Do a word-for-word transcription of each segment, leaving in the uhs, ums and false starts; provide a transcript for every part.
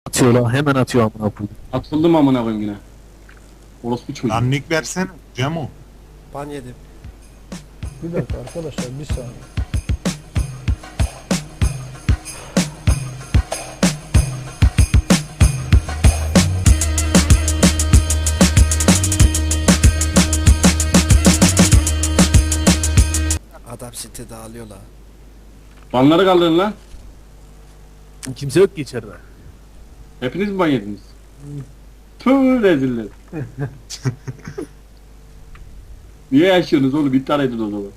Atıyor lan, hemen atıyor amına koyayım. Atıldım amına koyayım yine. Orospu çocuğu. Lan nick versene Cemo. Ban yedim. Bir dakika arkadaşlar, bir saniye. Adam site dağılıyor la. Banları kaldırın lan. Kimse yok ki içeride. Hepiniz mi ban yediniz? Tüh reziller. Niye yaşıyorsunuz oğlum? İptal edin o zaman.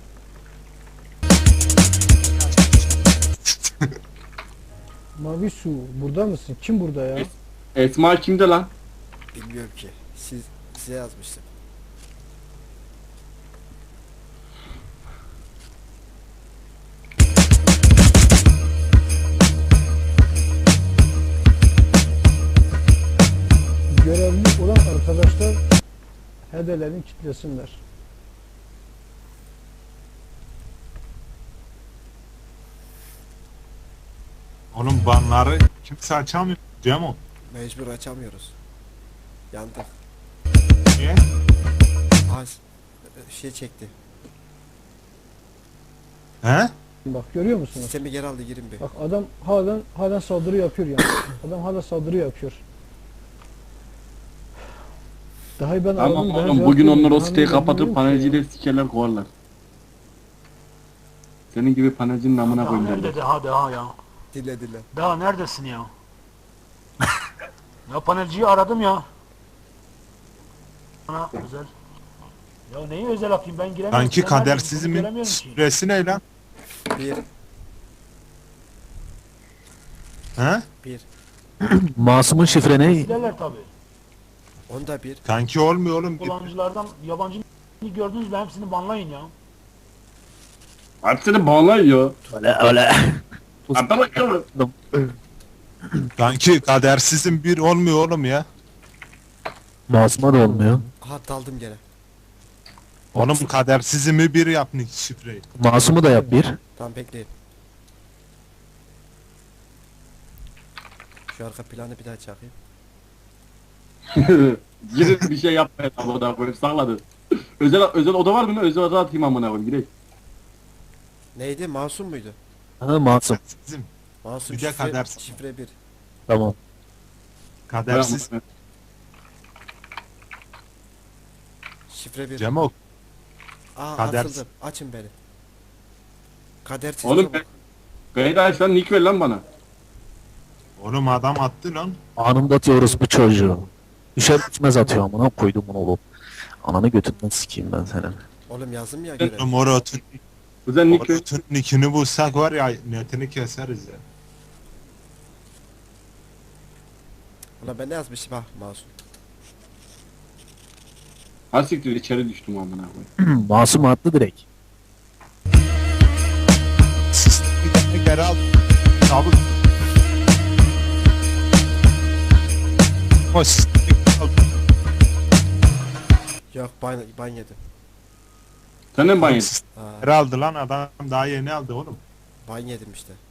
Mavi su, burada mısın? Kim burada ya? Es- Esma kimde lan? Bilmiyorum ki. Siz size yazmıştım. Görevli olan arkadaşlar hedelerini kitlesinler. Oğlum banları kimse açamıyor Cemo. Mecbur açamıyoruz. Yandık. Niye? Az şey çekti. He? Bak görüyor musunuz? Sistemi geri aldı, girin bir. Bak adam halen halen saldırı yapıyor yani. Adam hala saldırı yapıyor. Daha ben Tamam aradım, daha oğlum cevap bugün onlar vermiyor. o siteyi Hani ben kapatıp bilmiyorum ki panelciyle sikerler kovarlar. Senin gibi panelcinin amına Daha koyayım nerede derler. daha daha ya? Dile dile. Daha neredesin ya? Ya panelciyi aradım ya. Bana özel. Ya neyi özel yapayım, ben giremiyorum. Sanki Sen neredesin? Bunu kadersizmin göremiyorum ki. süresi ne lan? Bir. He? Bir. Masum'un şifre ne? Silerler tabi. Onda bir. Kanki olmuyor oğlum. Kullanıcılardan yabancı gördünüz mü hepsini banlayın ya. Hepsini bağlayıyor. Öyle öyle. Hatta bakalım. Kanki kadersizin bir olmuyor oğlum ya. Masum'a da olmuyor. Aha daldım gene. Oğlum kadersizimi bir yap nick şifreyi. Masum'u da yap bir. Tamam bekleyin. Şu arka planı bir daha çakayım. Girin bir şey yapmayın amına koyayım sakladı. Özel özel oda var mı lan? Özel oda atayım amına koyayım gidelim. Neydi? Masum muydu? Ha Masum. Bizim Masum Bir de şifre, kadersiz. şifre bir. Tamam. kadersiz. Şifre bir. Cemo Aa kadersiz. atıldım. Açın beni. Kadersiz Oğlum çabuk. Gayet aç lan nick ver lan bana. Oğlum adam attı lan. Anında atıyoruz bu çocuğu. Düşer düşmez atıyor amına koydum bunu oğlum. Ananı götünden sikeyim ben senin. Oğlum yazdım ya görev. Oğlum Orot'un Özel nick ver. Orot'un nickini bulsak var ya netini keseriz ya. Ulan ben ne yazmışım ha masum. Ha siktir içeri düştüm amına koyayım. Masum attı direkt. Sistemi geri- geri al. Çabuk. O sistemi geri al. Yok ban, ban yedim. Sen de mi ban Oğlum yedin? sistemi Aa, geri aldı lan adam daha yeni aldı oğlum. ban yedim işte.